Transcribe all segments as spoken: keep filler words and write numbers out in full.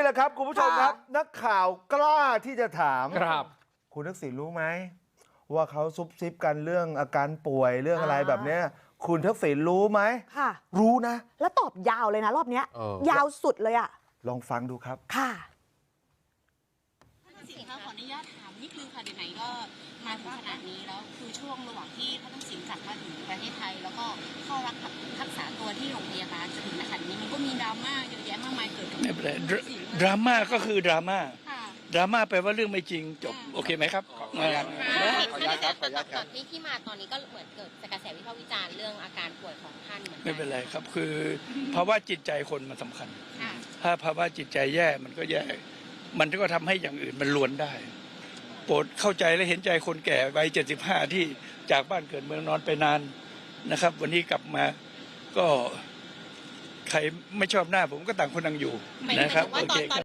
ละครับคุณผู้ชมครับนักข่าวกล้าที่จะถามครับคุณทักษิณรู้ไหมว่าเขาซุบซิบกันเรื่องอาการป่วยเรื่องอะไรแบบนี้คุณทักษิณรู้ไหมค่ะรู้นะแล้วตอบยาวเลยนะรอบนี้ยาวสุดเลยอ่ะลองฟังดูครับค่ะท่านทักษิณคะขออนุญาตถามนิดนึงค่ะไหนๆก็มาถึงขนาดนี้แล้วคือช่วงระหว่างที่ท่านทักษิณกลับมาถึงประเทศไทยแล้วก็เข้ารักษาตัวที่โรงพยาบาลจนถึงขนาดนี้มันก็มีดราม่าเยอะแยะมากมายเกิดขึ้นไม่เป็นไรดราม่าก็คือดราม่าดราม่าแปลว่าเรื่องไม่จริงจบโอเคไหมครับขออนุญาตครับขออนุญาตครับที่ที่มาตอนนี้ก็เหมือนเกิดกระแสวิพากษ์วิจารณ์เรื่องอาการป่วยของท่านเหมือนกันไม่เป็นไรครับคือภาวะจิตใจคนมันสำคัญถ้าภาวะจิตใจแย่มันก็แย่มันก็ทำให้อย่างอื่นมันล้วนได้โปรดเข้าใจและเห็นใจคนแก่วัยเจ็ดสิบห้าที่จากบ้านเกิดเมืองนอนไปนานนะครับวันนี้กลับมาก็ใครไม่ชอบหน้าผมก็ต่างคนต่างอยู่นะครับโอเคครับ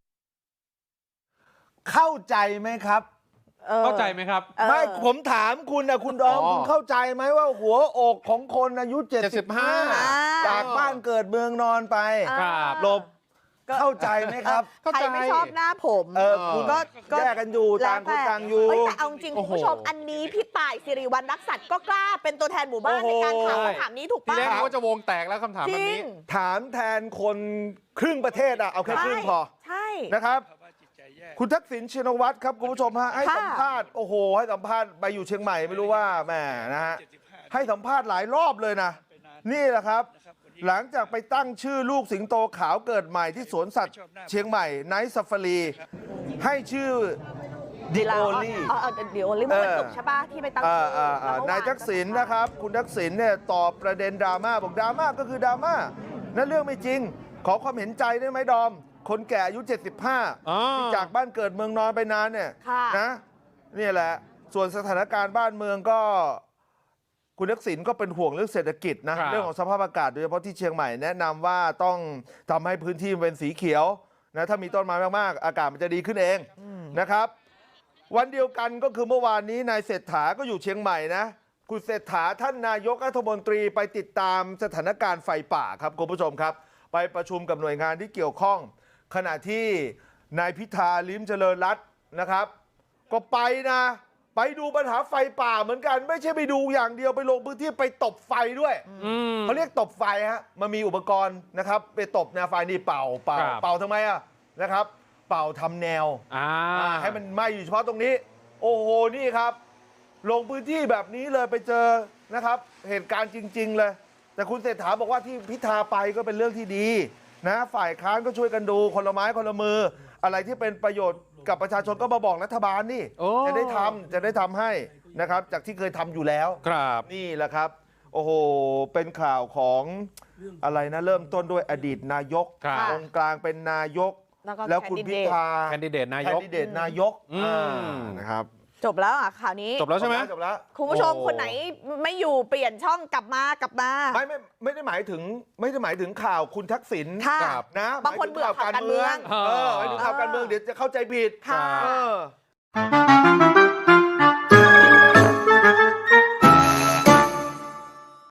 เข้าใจไหมครับเข้าใจไหมครับไม่ผมถามคุณนะคุณดอมคุณเข้าใจไหมว่าหัวอกของคนอายุเจ็ดสิบห้าจากบ้านเกิดเมืองนอนไปหลบเข้าใจไหมครับใครไม่ชอบหน้าผมเออคุณก็แยกกันอยู่ต่างคนต่างอยู่แต่เอาจริงคุณผู้ชมอันนี้พี่ต่ายสิริวัณรักษัตริย์ก็กล้าเป็นตัวแทนหมู่บ้านในการถามคำถามนี้ถูกป่ะทีแรกว่าจะวงแตกแล้วคำถามแบบนี้ถามแทนคนครึ่งประเทศอะเอาแค่ครึ่งพอใช่นะครับคุณทักษิณชินวัตรครับคุณผู้ชมฮะให้สัมภาษณ์โอ้โหให้สัมภาษณ์ไปอยู่เชียงใหม่ไม่รู้ว่าแหมนะฮะให้สัมภาษณ์หลายรอบเลยนะนี่แหละครับหลังจากไปตั้งชื่อลูกสิงโตขาวเกิดใหม่ที่สวนสัตว์เชียงใหม่ไนท์ซาฟารีให้ชื่อดิโอลี่อ๋อดิโอลี่มันจบใช่ป่ะที่ไปตั้งชื่อนายทักษิณนะครับคุณทักษิณเนี่ยตอบประเด็นดราม่าบอกดราม่าก็คือดราม่านั่นเรื่องไม่จริงขอความเห็นใจได้ไหมดอมคนแก่อายุเจ็ดสิบห้าที่จากบ้านเกิดเมืองนอนไปนานเนี่ยนะนี่แหละส่วนสถานการณ์บ้านเมืองก็คุณทักษิณก็เป็นห่วงเรื่องเศรษฐกิจนะเรื่องของสภาพอากาศโดยเฉพาะที่เชียงใหม่แนะนำว่าต้องทำให้พื้นที่เป็นสีเขียวนะถ้ามีต้นไม้มากๆอากาศมันจะดีขึ้นเองนะครับวันเดียวกันก็คือเมื่อวานนี้นายเศรษฐาก็อยู่เชียงใหม่นะคุณเศรษฐาท่านนายกรัฐมนตรีไปติดตามสถานการณ์ไฟป่าครับคุณผู้ชมครับไปประชุมกับหน่วยงานที่เกี่ยวข้องขณะที่นายพิธาลิ้มเจริญรัตน์นะครับก็ไปนะไปดูปัญหาไฟป่าเหมือนกันไม่ใช่ไปดูอย่างเดียวไปลงพื้นที่ไปตบไฟด้วยเขาเรียกตบไฟฮะมันมีอุปกรณ์นะครับไปตบแนวไฟนี่เป่าเป่าเป่าทำไมอ่ะนะครับเป่าทำแนวให้มันไหม้อยู่เฉพาะตรงนี้โอ้โหนี่ครับลงพื้นที่แบบนี้เลยไปเจอนะครับเหตุการณ์จริงๆเลยแต่คุณเศรษฐาบอกว่าที่พิธาไปก็เป็นเรื่องที่ดีนะฝ่ายค้านก็ช่วยกันดูคนละไม้คนละมืออะไรที่เป็นประโยชน์กับประชาชนก็มาบอกรัฐบาลนี่จะได้ทำจะได้ทำให้นะครับจากที่เคยทำอยู่แล้วครับนี่แหละครับโอ้โหเป็นข่าวของอะไรนะเริ่มต้นด้วยอดีตนายกตรงกลางเป็นนายกแล้วคุณพิธาแคนดิเดตนายกแคนดิเดตนายกนะครับจบแล้วอ่ะข่าวนี้จบแล้วใช่ไหมจบแล้วคุณผู้ชมคนไหนไม่อยู่เปลี่ยนช่องกลับมากลับมาไม่ไม่ไม่ได้หมายถึงไม่ได้หมายถึงข่าวคุณทักษิณนะบางคนเบื่อข่าวการเมืองเออหมายถึงข่าวการเมืองเดี๋ยวจะเข้าใจผิดค่ะ